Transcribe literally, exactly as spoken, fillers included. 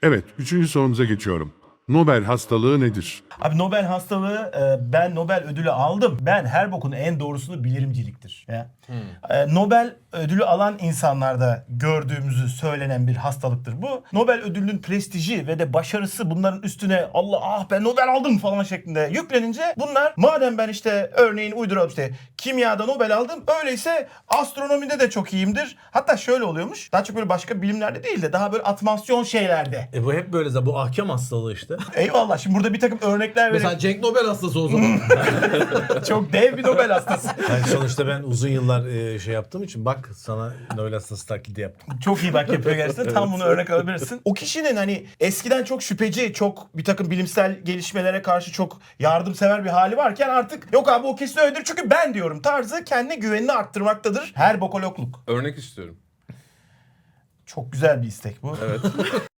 Evet, üçüncü sorumuza geçiyorum. Nobel hastalığı nedir? Abi Nobel hastalığı e, ben Nobel ödülü aldım. Ben her bokun en doğrusunu bilimciliktir. Ya. E, Nobel ödülü alan insanlarda gördüğümüzü söylenen bir hastalıktır bu. Nobel ödülünün prestiji ve de başarısı bunların üstüne Allah ah ben Nobel aldım falan şeklinde yüklenince bunlar madem ben işte örneğin uyduruyorum işte kimyada Nobel aldım öyleyse astronomide de çok iyiyimdir. Hatta şöyle oluyormuş. Daha çok böyle başka bilimlerde değil de daha böyle atmasyon şeylerde. E bu hep böyle zaten, bu ahkam hastalığı işte. Eyvallah. Şimdi burada bir takım örnekler vereyim. Mesela Cenk Nobel hastası o zaman. Çok dev bir Nobel hastası. Yani sonuçta ben uzun yıllar e, şey yaptığım için bak sana Nobel hastası taklidi yaptım. Çok iyi bak yapıyor gerçekten. Tam bunu örnek alabilirsin. O kişinin hani eskiden çok şüpheci, çok bir takım bilimsel gelişmelere karşı çok yardımsever bir hali varken artık yok abi o kesin öyledir çünkü ben diyorum tarzı kendine güvenini arttırmaktadır. Her bokologluk. Örnek istiyorum. Çok güzel bir istek bu. Evet.